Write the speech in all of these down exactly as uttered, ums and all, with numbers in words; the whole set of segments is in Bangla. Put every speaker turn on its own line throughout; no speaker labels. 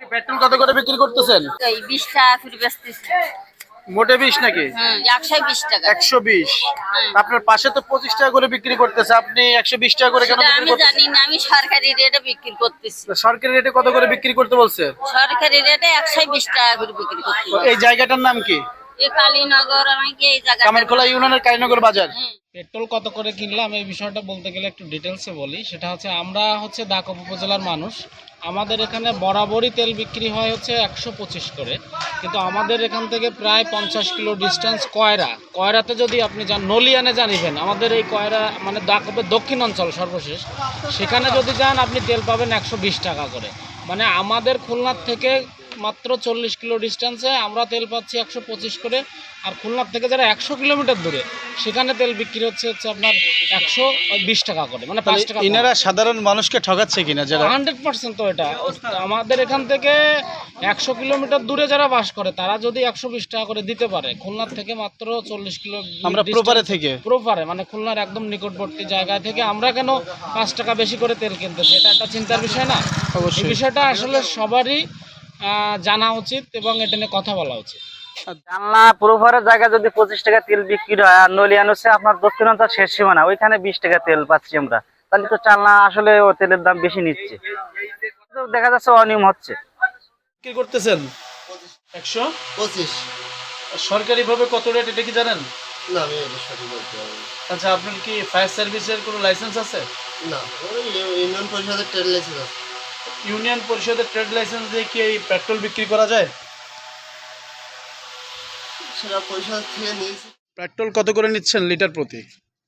পেট্রোল কত করে বিক্রি করতেছেন?
এই বিশ টাকা করে বেচতেছি।
মোটে বিশ নাকি?
হুম, একশো বিশ টাকা।
একশো বিশ। আপনার পাশে তো পঁচিশ টাকা করে বিক্রি করতেছে, আপনি একশো বিশ টাকা করে কেন
সেটা
বিক্রি
আমি
করতেছেন?
জানি না, আমি সরকারি রেটে বিক্রি করতেছি।
সরকারি রেটে কত করে বিক্রি করতে বলছে?
সরকারি রেটে একশো বিশ টাকা করে বিক্রি করতেছি।
এই জায়গাটার নাম কি?
এই কালীনগর, আমাকে এই জায়গা
কামারখোলা ইউনিয়নের কালীনগর বাজার।
পেট্রোল কত করে কিনলাম এই বিষয়টা বলতে গেলে একটু ডিটেলসে বলি। সেটা হচ্ছে আমরা হচ্ছে দাকব উপজেলার মানুষ, আমাদের এখানে বরাবরই তেল বিক্রি হয় হচ্ছে একশো পঁচিশ করে, কিন্তু আমাদের এখান থেকে প্রায় পঞ্চাশ কিলো ডিস্টেন্স কয়রা। কয়রাতে যদি আপনি যান, নলিয়ানে জানিবেন, আমাদের এই কয়রা মানে দাকবের দক্ষিণ অঞ্চল সর্বশেষ, সেখানে যদি যান আপনি তেল পাবেন একশো বিশ টাকা করে। মানে আমাদের খুলনার থেকে মাত্র চল্লিশ কিলো ডিস্টেন্সে আমরা তেল পাচ্ছি একশো পঁচিশ করে, আর খুলনার থেকে যারা একশো কিলোমিটার দূরে সেখানে তেল বিক্রি হচ্ছে হচ্ছে আপনার একশো বিশ টাকা করে, মানে পাঁচ টাকা।
ইনারা সাধারণ মানুষকে ঠকাচ্ছে কিনা? যারা
হান্ড্রেড পার্সেন্ট তো এটা আমাদের এখান থেকে একশো কিলোমিটার দূরে যারা বাস করে তারা যদি একশো বিশ টাকা করে দিতে পারে, খুলনার থেকে মাত্র চল্লিশ কিলো
আমরা প্রপারে থেকে
প্রপারে মানে খুলনার একদম নিকটবর্তী জায়গা থেকে আমরা কেন পাঁচ টাকা বেশি করে তেল কিনতেছি? এটা একটা চিন্তার বিষয় না? এই বিষয়টা আসলে সবারই জানা উচিত এবং এটা নিয়ে কথা বলা উচিত।
জানলা প্রোভারের জায়গা যদি পঁচিশ টাকা তেল বিক্রি হয়, আর নলিয়ান হচ্ছে আপনার দক্ষিণাঞ্চল শেষ সীমানা, ওইখানে বিশ টাকা তেল পাচ্ছি আমরা, তাহলে তো চালনা আসলে ও তেলের দাম বেশি নিচ্ছে, দেখা যাচ্ছে অনিয়ম হচ্ছে।
কি করতেছেন? একশো
পঁচিশ।
সরকারি ভাবে কত রেট এটা কি জানেন?
না, আমি এটা সঠিক বলতে পারবো না।
আচ্ছা, আপনার কি ফায়ার সার্ভিসের কোনো লাইসেন্স আছে?
না, ওই ইউনিয়ন পরিষদের ট্রেড লাইসেন্স আছে।
ইউনিয়ন পরিষদের ট্রেড লাইসেন্স দিয়ে কি এই পেট্রোল বিক্রি করা যায়?
সেটা পরিষদ থেকে নিয়েছি।
পেট্রোল কত করে নিচ্ছেন লিটার প্রতি?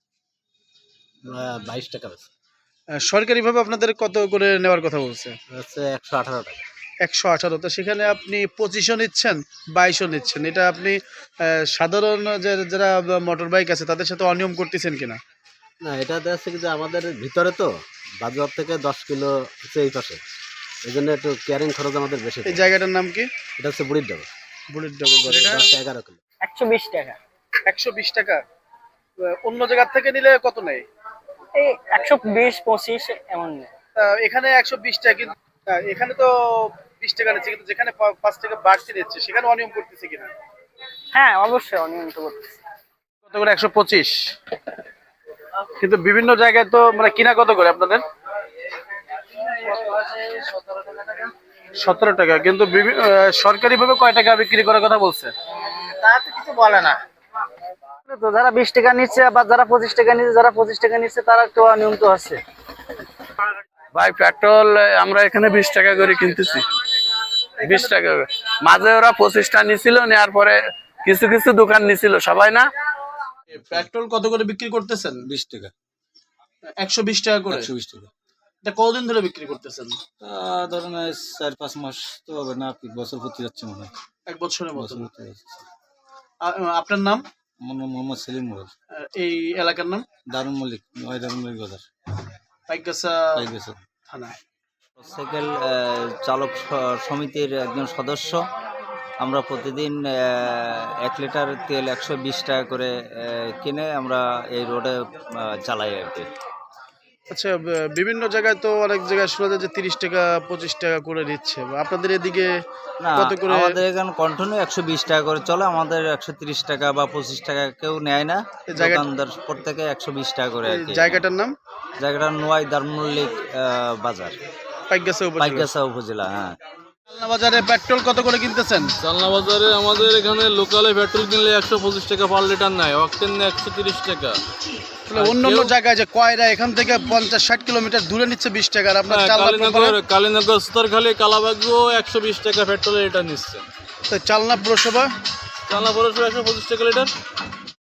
বাইশ টাকা আছে।
সরকারি ভাবে আপনাদের কত করে নেওয়ার কথা বলছে?
হচ্ছে একশো আঠারো টাকা।
একশো আঠারো। তো সেখানে আপনি পঁচিশও নিচ্ছেন, বাইশও নিচ্ছেন, এটা আপনি সাধারণ যে যারা মোটর বাইক আছে তাদের সাথে অনিয়ম করতেছেন কিনা?
না, এটা দেখছে কি যে আমাদের ভিতরে তো বাজার থেকে দশ কিলো হচ্ছে এই পাশে, এই জন্য একটু ক্যারিং খরচ আমাদের বেশি।
এই জায়গাটার নাম কি?
এটা হচ্ছে বুড়ির ডাবল।
বুড়ির ডাবল বাজার।
দশ এগারো কিলো
একশো বিশ টাকা।
একশো বিশ টাকা। অন্য জায়গার থেকে নিলে কত নেয়?
এই একশো বিশ পঁচিশ এমন নেই।
এখানে একশো বিশ টাকা, কিন্তু এখানে তো বিশ টাকা নিচ্ছে, কিন্তু যেখানে পাঁচ টাকা বাড়তি নিচ্ছে সেখানে অনিয়ম করতেছে কিনা?
হ্যাঁ, অবশ্যই অনিয়ম তো করতেছে।
কত করে? একশো পঁচিশ। কিন্তু বিভিন্ন জায়গায় তো মানে কিনা কত করে আপনাদের? সতেরো টাকা। কিন্তু সরকারি ভাবে কয় টাকা বিক্রি করার কথা বলছে?
তা তো কিছু বলে না। তো যারা বিশ টাকা নিচ্ছে বা যারা পঁচিশ টাকা নিচ্ছে, যারা পঁচিশ টাকা নিচ্ছে তারা একটু অনিয়ম তো আছে।
ভাই, পেট্রোল আমরা এখানে বিশ টাকা করে কিনতেছি। বিশ টাকা মাঝে ওরা পঁচিশটা নিছিল, নেওয়ার পরে কিছু কিছু দোকান নিছিল, সবাই না।
পেট্রোল কত করে বিক্রি করতেছেন?
বিশ টাকা।
একশো বিশ টাকা করে।
একশো বিশ টাকা।
এটা কতদিন ধরে বিক্রি করতেছেন?
ধরেন চার পাঁচ মাস তো হবে না, বছর প্রতি যাচ্ছে মনে হয়।
এক বছরের মতো।
বছর প্রতি যাচ্ছে।
আপনার নাম?
মোহাম্মদ সেলিম মোড়ল।
এই এলাকার নাম?
দারুন মল্লিক, নয় দারুন মল্লিক বাজার,
পাইকগাছা
পাইকগাছা
থানা।
সাইকেল চালক সমিতির একজন সদস্য। আমরা প্রতিদিন এক লিটার তেল একশো বিশ টাকা করে কিনে আমরা এই রোডে চালাই আর কি।
আচ্ছা, বিভিন্ন জায়গায় তো অনেক জায়গায় শোনা যায় যে তিরিশ টাকা পঁচিশ টাকা করে নিচ্ছে, আপনাদের এদিকে
না,
কত করে?
আমাদের এখানে কন্টিনিউ একশো বিশ টাকা করে চলে, আমাদের একশো তিরিশ টাকা বা পঁচিশ টাকা কেউ নেয় না। দোকানদার প্রত্যেকে একশো বিশ টাকা করে।
জায়গাটার নাম?
জায়গাটার নোয়াই দারুন মল্লিক বাজার, পাইকগাছা উপজেলা। হ্যাঁ।
চালনা বাজারে পেট্রোল কত করে কিনতেছেন?
চালনা বাজারে আমাদের এখানে লোকালে পেট্রোল কিনলে একশো পঁচিশ টাকা পার লিটার নেয়, অক্টেন নেয় একশো তিরিশ টাকা।
অন্য অন্য জায়গায় যে কয়রা এখান থেকে পঞ্চাশ ষাট কিলোমিটার দূরে নিচ্ছে বিশ টাকা, আর আপনার
কালীনগর কালীনগর স্তরখালী কালাবাগও একশো বিশ টাকা পেট্রোলের লিটার নিচ্ছে।
চালনা পুরসভা?
চালনা পৌরসভা একশো পঁচিশ টাকা লিটার।